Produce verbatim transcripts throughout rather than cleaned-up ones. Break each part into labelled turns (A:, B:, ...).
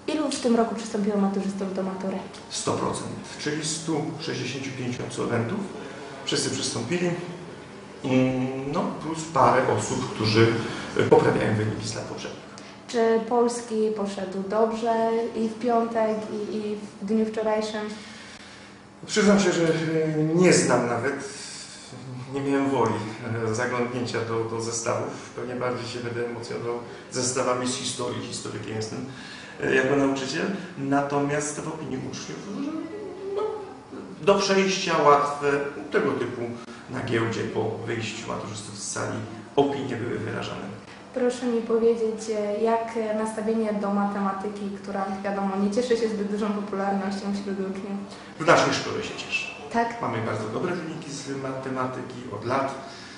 A: Ilu w tym roku przystąpiło maturzystów do matury?
B: sto procent, czyli stu sześćdziesięciu pięciu absolwentów. Wszyscy przystąpili, no plus parę osób, którzy poprawiają wyniki z lat poprzednich.
A: Czy polski poszedł dobrze i w piątek, i, i w dniu wczorajszym?
B: Przyznam się, że nie znam nawet, nie miałem woli zaglądnięcia do, do zestawów. Pewnie bardziej się będę emocjonował zestawami z historii, historykiem jestem jako nauczyciel. Natomiast w opinii uczniów no, do przejścia łatwe, tego typu na giełdzie po wyjściu maturzystów z sali opinie były wyrażane.
A: Proszę mi powiedzieć, jak nastawienie do matematyki, która wiadomo nie cieszy się zbyt dużą popularnością wśród uczniów?
B: W naszej szkole się cieszy.
A: Tak?
B: Mamy bardzo dobre wyniki z matematyki od lat.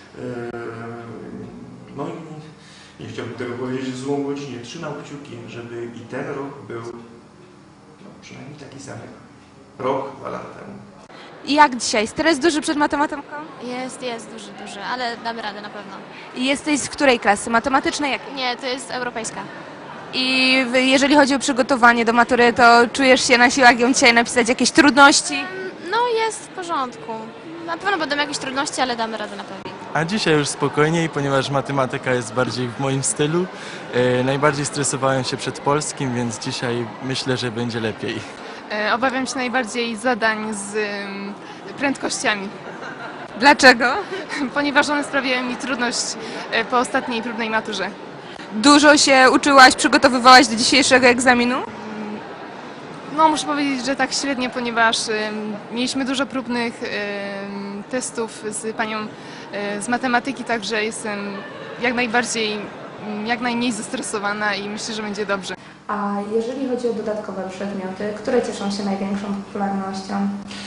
B: No i nie chciałbym tego powiedzieć w złą godzinę. Trzymam kciuki, żeby i ten rok był no, przynajmniej taki sam jak rok, dwa lata temu.
C: I jak dzisiaj? Stres duży przed matematyką?
D: Jest, jest duży, duży, ale damy radę na pewno.
C: I jesteś z której klasy? Matematycznej jakiej?
D: Nie, to jest europejska.
C: I jeżeli chodzi o przygotowanie do matury, to czujesz się na siłach ją dzisiaj napisać jakieś trudności?
D: No jest w porządku. Na pewno będą jakieś trudności, ale damy radę na pewno.
E: A dzisiaj już spokojniej, ponieważ matematyka jest bardziej w moim stylu. E, najbardziej stresowałem się przed polskim, więc dzisiaj myślę, że będzie lepiej.
F: E, obawiam się najbardziej zadań z ym, prędkościami,
C: Dlaczego?
F: ponieważ one sprawiają mi trudność e, po ostatniej próbnej maturze.
C: Dużo się uczyłaś, przygotowywałaś do dzisiejszego egzaminu?
F: No muszę powiedzieć, że tak średnio, ponieważ ym, mieliśmy dużo próbnych ym, testów z panią y, z matematyki, także jestem jak najbardziej, ym, jak najmniej zestresowana i myślę, że będzie dobrze.
A: A jeżeli chodzi o dodatkowe przedmioty, które cieszą się największą popularnością?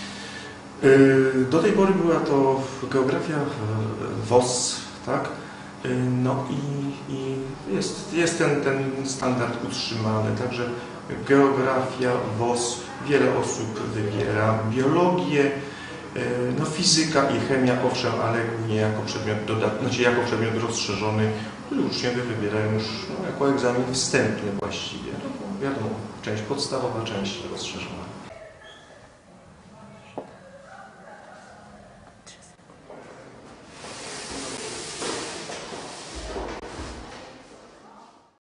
B: Do tej pory była to geografia, W O S, tak? No i, i jest, jest ten, ten standard utrzymany, także geografia, W O S, wiele osób wybiera biologię, no fizyka i chemia, owszem, ale głównie jako przedmiot dodatni, znaczy jako przedmiot rozszerzony, który uczniowie wybierają już no, jako egzamin wstępny właściwie. No, wiadomo, część podstawowa, część rozszerzona.